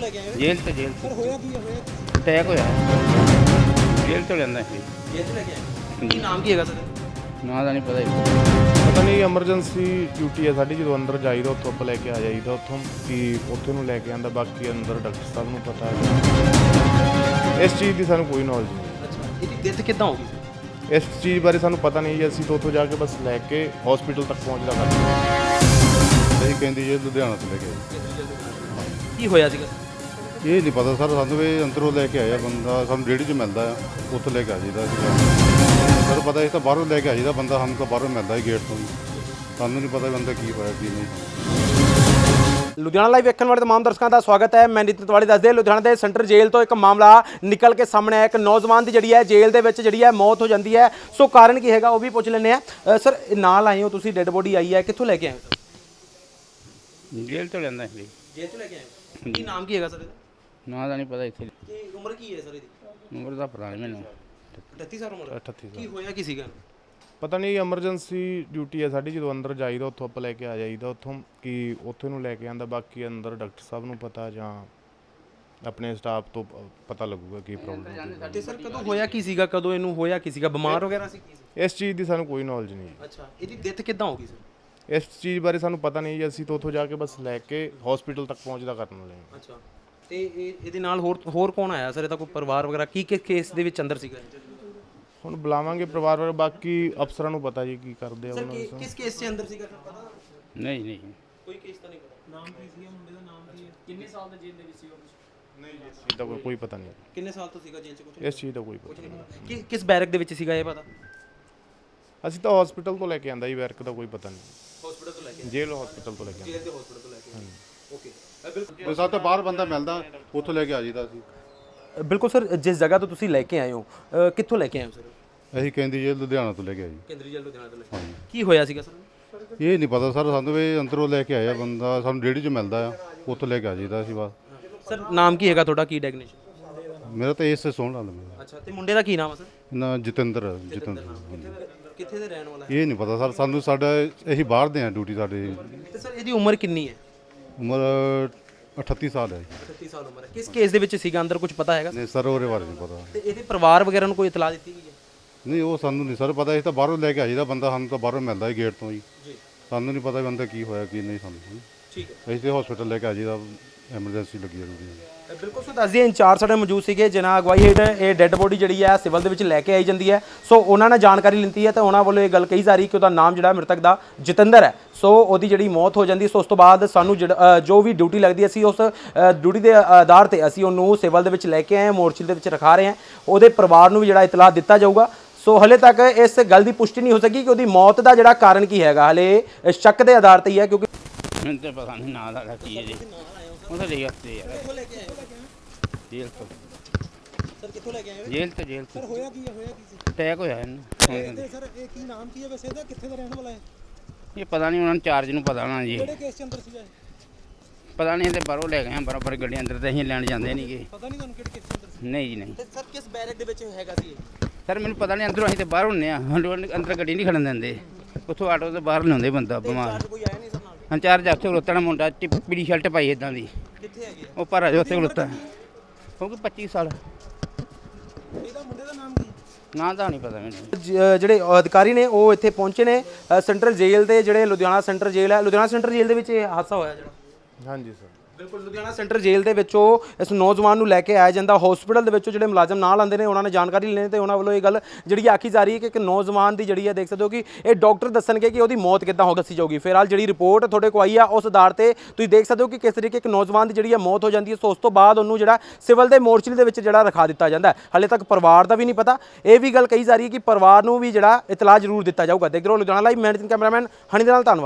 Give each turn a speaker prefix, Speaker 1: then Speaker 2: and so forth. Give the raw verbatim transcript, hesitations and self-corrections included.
Speaker 1: लेके आए हो?
Speaker 2: जेल से जेल
Speaker 1: सर
Speaker 2: से
Speaker 1: होया की है होया
Speaker 2: अटैक होया जेल तो लेंदा ਸੀ
Speaker 1: जेल से लेके आए ਕੀ ਨਾਮ ਕੀ ਹੈਗਾ ਸਰ
Speaker 2: ਨਾਂ ਦਾ ਨਹੀਂ ਪਤਾ ਜੀ।
Speaker 3: ਪਤਾ ਨਹੀਂ ਐਮਰਜੈਂਸੀ ਡਿਊਟੀ ਹੈ ਸਾਡੀ, ਜਦੋਂ ਅੰਦਰ ਜਾਈਦਾ ਉੱਥੋਂ ਆਪਾਂ ਲੈ ਕੇ ਆ ਜਾਈਦਾ ਉੱਥੋਂ ਕਿ ਉੱਥੇ ਨੂੰ ਲੈ ਕੇ ਆਂਦਾ, ਬਾਕੀ ਅੰਦਰ ਡਾਕਟਰ ਸਾਹਿਬ ਨੂੰ ਪਤਾ ਹੈ। ਇਸ ਚੀਜ਼ ਦੀ ਸਾਨੂੰ ਕੋਈ ਨੌਲੇਜ ਨਹੀਂ।
Speaker 1: ਅੱਛਾ ਇਹਦੀ ਡੈਥ ਕਿੱਦਾਂ ਹੋ ਗਈ ਸਰ?
Speaker 3: ਇਸ ਚੀਜ਼ ਬਾਰੇ ਸਾਨੂੰ ਪਤਾ ਨਹੀਂ ਜੀ, ਅਸੀਂ ਤਾਂ ਉੱਥੋਂ ਜਾ ਕੇ ਬਸ ਲੈ ਕੇ ਹਸਪੀਟਲ ਤੱਕ ਪਹੁੰਚਦਾ ਕਰਦੇ।
Speaker 4: ਅਸੀਂ ਕਹਿੰਦੀ ਜੇ ਲੁਧਿਆਣਾ ਤੋਂ ਲੈ ਕੇ ਆਏ।
Speaker 1: ਕੀ ਹੋਇਆ ਸੀਗਾ?
Speaker 4: ਇਹ ਨਹੀਂ ਪਤਾ ਸਰ, ਸਾਨੂੰ ਵੀ ਅੰਦਰੋਂ ਲੈ ਕੇ ਆਇਆ ਬੰਦਾ, ਸਾਨੂੰ ਰੇਹੜੀ 'ਚ ਮਿਲਦਾ ਆ, ਉੱਥੋਂ ਲੈ ਕੇ ਆ ਜਾਈਦਾ ਸੀਗਾ। ਸਰ ਪਤਾ ਇਹ ਤਾਂ ਬਾਹਰੋਂ ਲੈ ਕੇ ਆ ਜਾਈਦਾ ਬੰਦਾ, ਸਾਨੂੰ ਤਾਂ ਬਾਹਰੋਂ ਮਿਲਦਾ ਹੀ ਗੇਟ ਤੋਂ ਹੀ, ਸਾਨੂੰ ਨਹੀਂ ਪਤਾ ਬੰਦਾ ਕੀ ਹੋਇਆ ਕੀ ਨਹੀਂ।
Speaker 1: ਲੁਧਿਆਣਾ ਲਾਈਵ ਵੇਖਣ ਵਾਲੇ ਤਮਾਮ ਦਰਸ਼ਕਾਂ ਦਾ ਸਵਾਗਤ ਹੈ। ਮੈਂ ਨਿਤਿਨ ਤਿਵਾੜੀ ਦੱਸਦੇ ਲੁਧਿਆਣਾ ਦੇ ਸੈਂਟਰ ਜੇਲ੍ਹ ਤੋਂ ਇੱਕ ਮਾਮਲਾ ਨਿਕਲ ਕੇ ਸਾਹਮਣੇ ਆਇਆ। ਇੱਕ ਨੌਜਵਾਨ ਦੀ ਜਿਹੜੀ ਹੈ ਜੇਲ੍ਹ ਦੇ ਵਿੱਚ ਜਿਹੜੀ ਹੈ ਮੌਤ ਹੋ ਜਾਂਦੀ ਹੈ। ਸੋ ਕਾਰਨ ਕੀ ਹੈਗਾ ਉਹ ਵੀ ਪੁੱਛ ਲੈਂਦੇ ਆ। ਸਰ ਨਾਲ ਆਏ ਹੋ ਤੁਸੀਂ, ਡੈੱਡ ਬੋਡੀ ਆਈ ਹੈ, ਕਿੱਥੋਂ ਲੈ ਕੇ ਆਏ ਹੋ ਸਰ?
Speaker 2: ਜੇਲ ਤੋਂ ਲੈਂਦਾ ਸੀ।
Speaker 1: ਜੇਲ੍ਹ ਤੋਂ ਲੈ ਕੇ ਆਏ ਹੋ। ਕੀ ਨਾਮ ਕੀ ਹੈਗਾ ਸਰ?
Speaker 2: ਨਾਂ ਦਾ ਨਹੀਂ ਪਤਾ ਇੱਥੇ।
Speaker 1: ਕੀ ਉਮਰ ਕੀ ਹੈ ਸਰ ਇਹਦੀ?
Speaker 2: ਉਮਰ ਦਾ ਪਤਾ ਨਹੀਂ ਮੈਨੂੰ।
Speaker 1: ਅਠੱਤੀ ਸਾਲ ਉਮਰ।
Speaker 3: ਅਠੱਤੀ
Speaker 1: ਕੀ ਹੋਇਆ ਕੀ ਸੀਗਾ?
Speaker 3: ਪਤਾ ਨਹੀਂ ਐਮਰਜੈਂਸੀ ਡਿਊਟੀ ਹੈ ਸਾਡੀ, ਜਦੋਂ ਅੰਦਰ ਜਾਈਦਾ ਉੱਥੋਂ ਆਪਾਂ ਲੈ ਕੇ ਆ ਜਾਈਦਾ ਉੱਥੋਂ ਕਿ ਉੱਥੇ ਨੂੰ ਲੈ ਕੇ ਆਂਦਾ, ਬਾਕੀ ਅੰਦਰ ਡਾਕਟਰ ਸਾਹਿਬ ਨੂੰ ਪਤਾ ਜਾਂ ਆਪਣੇ ਸਟਾਫ ਤੋਂ ਪ- ਪਤਾ ਲੱਗੂਗਾ ਕੀ ਪ੍ਰੋਬਲਮ।
Speaker 1: ਤੇ ਸਰ ਕਦੋਂ ਹੋਇਆ ਕੀ ਸੀਗਾ? ਕਦੋਂ ਇਹਨੂੰ ਹੋਇਆ ਕੀ ਸੀਗਾ? ਬਿਮਾਰ ਵਗੈਰਾ ਸੀ ਕੀ ਸੀ?
Speaker 3: ਇਸ ਚੀਜ਼ ਦੀ ਸਾਨੂੰ ਕੋਈ ਨੌਲੇਜ ਨਹੀਂ।
Speaker 1: ਅੱਛਾ ਇਹਦੀ ਡੈਥ ਕਿੱਦਾਂ ਹੋ ਗਈ ਸਰ?
Speaker 3: ਇਸ ਚੀਜ਼ ਬਾਰੇ ਸਾਨੂੰ ਪਤਾ ਨਹੀਂ ਜੀ, ਅਸੀਂ ਤਾਂ ਉੱਥੋਂ ਜਾ ਕੇ ਬਸ ਲੈ ਕੇ ਹਸਪੀਟਲ ਤੱਕ ਪਹੁੰਚਦਾ ਕਰਨ ਵਾਲੇ ਹਾਂ।
Speaker 1: ਅੱਛਾ ਤੇ ਇਹ ਇਹਦੇ ਨਾਲ ਹੋਰ ਹੋਰ ਕੌਣ ਆਇਆ ਸਰ? ਇਹਦਾ ਕੋਈ ਪਰਿਵਾਰ ਵਗੈਰਾ ਕੀ ਕਿਸ ਕੇਸ ਦੇ ਵਿੱਚ ਅੰਦਰ ਸੀਗਾ?
Speaker 3: ਹੁਣ ਬੁਲਾਵਾਂਗੇ ਪਰਿਵਾਰ ਵਾਲੇ, ਬਾਕੀ ਅਫਸਰਾਂ ਨੂੰ ਪਤਾ ਜੀ ਕੀ ਕਰਦੇ ਆ
Speaker 1: ਸਰ
Speaker 3: ਉਹਨਾਂ
Speaker 1: ਕਿ-
Speaker 3: ਨੂੰ।
Speaker 1: ਕਿਸ ਕੇਸ 'ਚ ਅੰਦਰ ਸੀਗਾ ਪਤਾ?
Speaker 2: ਨਹੀਂ ਨਹੀਂ
Speaker 1: ਕੋਈ ਕੇਸ ਤਾਂ ਨਹੀਂ ਪਤਾ। ਨਾਮ ਕੀ ਸੀਗਾ ਮੁੰਡੇ ਦਾ? ਨਾਮ ਕੀ ਹੈ? ਕਿੰਨੇ ਸਾਲ ਦਾ ਜੇਲ੍ਹ ਦੇ ਵਿੱਚ ਸੀਗਾ?
Speaker 3: ਨਹੀਂ ਜੀ, ਇਸ ਚੀਜ਼ ਦਾ ਕੋਈ- ਕੋਈ ਪਤਾ ਨਹੀਂ।
Speaker 1: ਕਿੰਨੇ ਸਾਲ ਤੋਂ ਸੀਗਾ ਜੇਲ੍ਹ 'ਚ? ਕੁਝ
Speaker 3: ਇਸ ਚੀਜ਼ ਦਾ ਕੋਈ ਪਤਾ ਨਹੀਂ।
Speaker 1: ਕਿ ਕਿਸ ਬੈਰਕ ਦੇ ਵਿੱਚ ਸੀਗਾ ਇਹ ਪਤਾ?
Speaker 3: ਅਸੀਂ ਤਾਂ ਹਸਪੀਟਲ ਤੋਂ ਲੈ ਕੇ ਆਂਦਾ ਜੀ, ਵਰਕ ਦਾ ਕੋਈ ਪਤਾ ਨਹੀਂ।
Speaker 1: ਹਸਪੀਟਲ ਤੋਂ ਲੈ ਕੇ
Speaker 3: ਜੇਲ੍ਹ ਹਸਪੀਟਲ ਤੋਂ ਲੈ ਕੇ ਆਂਦਾ।
Speaker 1: ਜੇਲ੍ਹ ਦੇ ਹਸਪੀਟਲ ਤੋਂ ਲੈ ਕੇ ਓਕੇ ਬਿਲਕੁਲ
Speaker 4: ਤੇ ਸਾਨੂੰ ਤਾਂ ਬਾਹਰ ਬੰਦਾ ਮਿਲਦਾ, ਉੱਥੋਂ ਲੈ ਕੇ ਆ ਜਾਈਦਾ ਸੀ।
Speaker 1: ਬਿਲਕੁਲ ਸਰ, ਜਿਸ ਜਗ੍ਹਾ ਤੋਂ ਤੁਸੀਂ ਲੈ ਕੇ ਆਏ ਹੋ ਅ, ਕਿੱਥੋਂ ਲੈ ਕੇ ਆਏ ਹੋ ਸਰ?
Speaker 4: ਅਸੀਂ ਕਹਿੰਦੀ ਜੇ ਲੁਧਿਆਣਾ ਤੋਂ ਲੈ ਕੇ ਆਏ।
Speaker 1: ਕੇਂਦਰੀ ਜੇਲ੍ਹ ਲੁਧਿਆਣਾ ਤੋਂ ਲੈ ਕੇ ਕੀ ਹੋਇਆ ਸੀਗਾ ਸਰ?
Speaker 4: ਇਹ ਨਹੀਂ ਪਤਾ ਸਰ, ਸਾਨੂੰ ਵੀ ਅੰਦਰੋਂ ਲੈ ਕੇ ਆਇਆ ਬੰਦਾ, ਸਾਨੂੰ ਰੇਹੜੀ 'ਚ ਮਿਲਦਾ ਆ, ਉੱਥੋਂ ਲੈ ਕੇ ਆ ਜਾਈਦਾ ਸੀ ਬਸ।
Speaker 1: ਸਰ ਨਾਮ ਕੀ ਹੈਗਾ ਤੁਹਾਡਾ? ਕੀ ਡੈਗਨੇਸ਼ਨ?
Speaker 4: ਮੇਰਾ ਤਾਂ ਇਸ ਸੇ ਸੋਹਣ ਨਾਲ ਮੇਰਾ
Speaker 1: ਅੱਛਾ ਤੇ ਮੁੰਡੇ ਦਾ ਕੀ ਨਾਮ ਹੈ ਸਰ?
Speaker 4: ਨਾ ਜਤਿੰਦਰ ਜਤਿੰਦਰ
Speaker 1: ਕਿੱਥੇ ਦੇ ਰਹਿਣ ਵਾਲਾ ਹੈ?
Speaker 4: ਇਹ ਨਹੀਂ ਪਤਾ ਸਰ, ਸਾਨੂੰ ਸਾਡਾ ਅਸੀਂ ਬਾਹਰ ਦੇ ਆ, ਡਿਊਟੀ ਸਾਡੀ
Speaker 1: ਤੇ ਸਰ ਇਹਦੀ ਉਮਰ ਕਿੰਨੀ ਹੈ?
Speaker 4: ਉਮਰ ਅਠੱਤੀ ਸਾਲ ਹੈ।
Speaker 1: ਅਠੱਤੀ ਸਾਲ ਉਮਰ ਹੈ। ਕਿਸ ਕੇਸ ਦੇ ਵਿੱਚ ਸੀਗਾ ਅੰਦਰ, ਕੁਝ ਪਤਾ ਹੈਗਾ?
Speaker 4: ਨਹੀਂ ਸਰ, ਉਹਦੇ ਬਾਰੇ ਨਹੀਂ ਪਤਾ।
Speaker 1: ਤੇ ਇਹਦੇ ਪਰਿਵਾਰ ਵਗੈਰਾ ਨੂੰ ਕੋਈ ਇਤਲਾਹ ਦਿੱਤੀ ਗਈ ਹੈ?
Speaker 4: ਨਹੀਂ ਉਹ ਸਾਨੂੰ ਨਹੀਂ ਸਰ ਪਤਾ, ਅਸੀਂ ਤਾਂ ਬਾਹਰੋਂ ਲੈ ਕੇ ਆ ਜਾਈਦਾ ਬੰਦਾ, ਸਾਨੂੰ ਤਾਂ ਬਾਹਰੋਂ ਮਿਲਦਾ ਹੀ ਗੇਟ ਤੋਂ ਹੀ,
Speaker 1: ਜੀ
Speaker 4: ਸਾਨੂੰ ਨਹੀਂ ਪਤਾ ਬੰਦਾ ਕੀ ਹੋਇਆ ਕੀ ਨਹੀਂ ਸਾਨੂੰ।
Speaker 1: ਠੀਕ ਹੈ
Speaker 4: ਅਸੀਂ ਤੇ ਹਸਪੀਟਲ ਲੈ ਕੇ ਆ ਜਾਈਦਾ, ਐਮਰਜੈਂਸੀ ਲੱਗੀ ਹੋਈ ਹੈ।
Speaker 1: ਬਿਲਕੁਲ ਸੋ ਦੱਸਦੀ ਇੰਚਾਰਜ ਸਾਡੇ ਮੌਜੂਦ ਸੀਗੇ ਜਿਨ੍ਹਾਂ ਅਗਵਾਈ ਹੇਠ ਇਹ ਡੈੱਡ ਬੋਡੀ ਜਿਹੜੀ ਹੈ ਸਿਵਲ ਦੇ ਵਿੱਚ ਲੈ ਕੇ ਆਈ ਜਾਂਦੀ ਹੈ। ਸੋ ਉਹਨਾਂ ਨੇ ਜਾਣਕਾਰੀ ਲਿੱਤੀ ਹੈ ਤੇ ਉਹਨਾਂ ਵੱਲੋਂ ਇਹ ਗੱਲ ਕਹੀ ਜਾ ਰਹੀ ਕਿ ਉਹਦਾ ਨਾਮ ਜਿਹੜਾ ਮ੍ਰਿਤਕ ਦਾ ਜਤਿੰਦਰ ਹੈ। ਸੋ ਉਹਦੀ ਜਿਹੜੀ ਮੌਤ ਹੋ ਜਾਂਦੀ ਹੈ, ਸੋ ਉਸ ਤੋਂ ਬਾਅਦ ਸਾਨੂੰ ਜਿਹੜਾ ਜੋ ਵੀ ਡਿਊਟੀ ਲੱਗਦੀ ਹੈ, ਅਸੀਂ ਉਸ ਡਿਊਟੀ ਦੇ ਆਧਾਰ ਤੇ ਅਸੀਂ ਉਹਨੂੰ ਸਿਵਲ ਦੇ ਵਿੱਚ ਲੈ ਕੇ ਆਏ ਹਾਂ, ਮੋਰਚੇ ਦੇ ਵਿੱਚ ਰਖਾ ਰਹੇ ਹਾਂ। ਉਹਦੇ ਪਰਿਵਾਰ ਨੂੰ ਵੀ ਜਿਹੜਾ ਇਤਲਾਹ ਦਿੱਤਾ ਜਾਊਗਾ। ਸੋ ਹਲੇ ਤੱਕ ਇਸ ਗੱਲ ਦੀ ਪੁਸ਼ਟੀ ਨਹੀਂ ਹੋ ਸਕੀ ਕਿ ਉਹਦੀ ਮੌਤ ਦਾ ਜਿਹੜਾ ਕਾਰਨ ਕੀ ਹੈਗਾ, ਹਲੇ ਸ਼ੱਕ ਦੇ ਆਧਾਰ ਤੇ ਹੀ ਹੈ। ਕਿਉਂਕਿ
Speaker 2: ਮੈਨੂੰ ਤਾਂ ਪਤਾ ਨਹੀਂ ਨਾਂ ਦਾ ਕੀ ਹੈ ਜੀ। ਉਹ ਤਾਂ ਲੈ ਉੱਤੇ ਯਾਰ
Speaker 1: ਕਿੱਥੋਂ ਲੈ ਕੇ ਆਏ ਹੋ?
Speaker 2: ਜੇਲ ਤੋਂ
Speaker 1: ਸਰ ਕਿੱਥੋਂ ਲੈ ਕੇ ਆਏ ਹੋ?
Speaker 2: ਜੇਲ ਤੋਂ ਜੇਲ ਤੋਂ
Speaker 1: ਹੋਇਆ ਕੀ ਹੈ? ਹੋਇਆ ਕੀ ਸੀ?
Speaker 2: ਅਟੈਕ ਹੋਇਆ ਇਹਨੂੰ।
Speaker 1: ਤੇ ਸਰ ਇਹ ਕੀ ਨਾਮ ਕੀ ਹੈ ਵੈਸੇ ਇਹਦਾ? ਕਿੱਥੇ ਦਾ ਰਹਿਣ ਵਾਲਾ ਹੈ?
Speaker 2: ਇਹ ਪਤਾ ਨਹੀਂ ਉਹਨਾਂ ਨੂੰ ਚਾਰਜ ਨੂੰ ਪਤਾ ਨਾ ਜੀ।
Speaker 1: ਕਿਹੜੇ ਕੇਸ 'ਚ ਅੰਦਰ ਸੀਗਾ ਇਹ?
Speaker 2: ਪਤਾ ਨਹੀਂ ਤੇ ਬਾਹਰੋਂ ਲੈ ਗਏ ਆ, ਬਰਾਬਰ ਗੱਡੀ ਅੰਦਰ ਤੇ ਅਸੀਂ ਲੈਣ ਜਾਂਦੇ ਨਹੀਂਗੇ।
Speaker 1: ਪਤਾ ਨਹੀਂ ਤੁਹਾਨੂੰ ਕਿਹੜੇ ਕੇਸ 'ਚ ਅੰਦਰ ਸੀ?
Speaker 2: ਨਹੀਂ ਜੀ ਨਹੀਂ
Speaker 1: ਤੇ ਸਰ ਕਿਸ ਬੈਰਕ ਦੇ ਵਿੱਚ ਹੈਗਾ ਸੀ ਇਹ?
Speaker 2: ਸਰ ਮੈਨੂੰ ਪਤਾ ਨਹੀਂ, ਅੰਦਰੋਂ ਅਸੀਂ ਤੇ ਬਾਹਰ ਹੁੰਨੇ ਆ, ਸਾਨੂੰ ਅੰਦਰ ਗੱਡੀ ਨਹੀਂ ਖੜਨ ਦਿੰਦੇ। ਉੱਥੋਂ ਆਟੋ ਤੋਂ ਬਾਹਰ ਲਿਆਉਂਦੇ ਬੰਦਾ ਬਿਮਾਰ।
Speaker 1: ਕੋਈ ਆਇਆ ਨਹੀਂ ਸਰ ਨਾਲ?
Speaker 2: ਇੰਚਾਰਜ ਉੱਥੇ ਖਲੋਤਾ ਨਾ ਮੁੰਡਾ, ਚਿ- ਪੀਲੀ ਸ਼ਰਟ ਪਾਈ ਇਦਾਂ ਦੀ,
Speaker 1: ਕਿੱਥੇ ਹੈਗੇ ਆ?
Speaker 2: ਉਹ ਪਰ ਅਜੇ ਉੱਥੇ ਖਲੋਤਾ ਕਿਉਂਕਿ ਪੱਚੀ ਸਾਲ।
Speaker 1: ਇਹਦਾ ਮੁੰਡੇ ਦਾ ਨਾਮ ਕੀ?
Speaker 2: ਨਾਂ ਦਾ ਨਹੀਂ ਪਤਾ ਮੈਨੂੰ।
Speaker 1: ਜ- ਜਿਹੜੇ ਅਧਿਕਾਰੀ ਨੇ ਉਹ ਇੱਥੇ ਪਹੁੰਚੇ ਨੇ ਅ, ਸੈਂਟਰਲ ਜੇਲ੍ਹ ਦੇ, ਜਿਹੜੇ ਲੁਧਿਆਣਾ ਸੈਂਟਰ ਜੇਲ੍ਹ ਹੈ, ਲੁਧਿਆਣਾ ਸੈਂਟਰ ਜੇਲ੍ਹ ਦੇ ਵਿੱਚ ਇਹ ਹਾਦਸਾ ਹੋਇਆ ਜਿਹੜਾ।
Speaker 3: ਹਾਂਜੀ ਸਰ,
Speaker 1: ਬਿਲਕੁਲ ਲੁਧਿਆਣਾ ਸੈਂਟਰ ਜੇਲ੍ਹ ਦੇ ਵਿੱਚੋਂ ਇਸ ਨੌਜਵਾਨ ਨੂੰ ਲੈ ਕੇ ਆਇਆ ਜਾਂਦਾ। ਹਸਪੀਟਲ ਦੇ ਵਿੱਚੋਂ ਜਿਹੜੇ ਮੁਲਾਜ਼ਮ ਨਾਲ ਆਉਂਦੇ ਨੇ ਉਹਨਾਂ ਨੇ ਜਾਣਕਾਰੀ ਲੈਣੀ ਤੇ ਉਹਨਾਂ ਵੱਲੋਂ ਇਹ ਗੱਲ ਜਿਹੜੀ ਆਖੀ ਜਾ ਰਹੀ ਹੈ ਕਿ ਇੱਕ ਨੌਜਵਾਨ ਦੀ ਜਿਹੜੀ ਹੈ, ਦੇਖ ਸਕਦੇ ਹੋ ਕਿ ਇਹ ਡਾਕਟਰ ਦੱਸਣਗੇ ਕਿ ਉਹਦੀ ਮੌਤ ਕਿੱਦਾਂ ਹੋ ਦੱਸੀ ਜਾਊਗੀ। ਫਿਲਹਾਲ ਜਿਹੜੀ ਰਿਪੋਰਟ ਤੁਹਾਡੇ ਕੋਲ ਆਈ ਆ ਉਸ ਆਧਾਰ ਤੇ ਤੁਸੀਂ ਦੇਖ ਸਕਦੇ ਹੋ ਕਿ ਕਿਸ ਤਰੀਕੇ ਇੱਕ ਨੌਜਵਾਨ ਦੀ ਜਿਹੜੀ ਹੈ ਮੌਤ ਹੋ ਜਾਂਦੀ ਹੈ। ਸੋ ਉਸ ਤੋਂ ਬਾਅਦ ਉਹਨੂੰ ਜਿਹੜਾ ਸਿਵਲ ਦੇ ਮੋਰਚੇ ਦੇ ਵਿੱਚ ਜਿਹੜਾ ਰਖਾ ਦਿੱਤਾ ਜਾਂਦਾ ਹੈ। ਹਾਲੇ ਤੱਕ ਪਰਿਵਾਰ ਦਾ ਵੀ ਨਹੀਂ ਪਤਾ। ਇਹ ਵੀ ਗੱਲ ਕਹੀ ਜਾ ਰਹੀ ਹੈ ਕਿ ਪਰਿਵਾਰ ਨੂੰ ਵੀ ਜਿਹੜਾ ਇਤਲਾਹ ਜ਼ਰੂਰ ਦਿੱਤਾ ਜਾਊਗਾ। ਦੇਖ ਰਹੇ ਹੋ ਲੁਧਿਆਣਾ ਲਾਈਵ, ਮੈਂ ਕੈਮਰਾਮੈਨ ਹਨੀ ਦੇ ਨਾਲ, ਧੰਨਵਾਦ।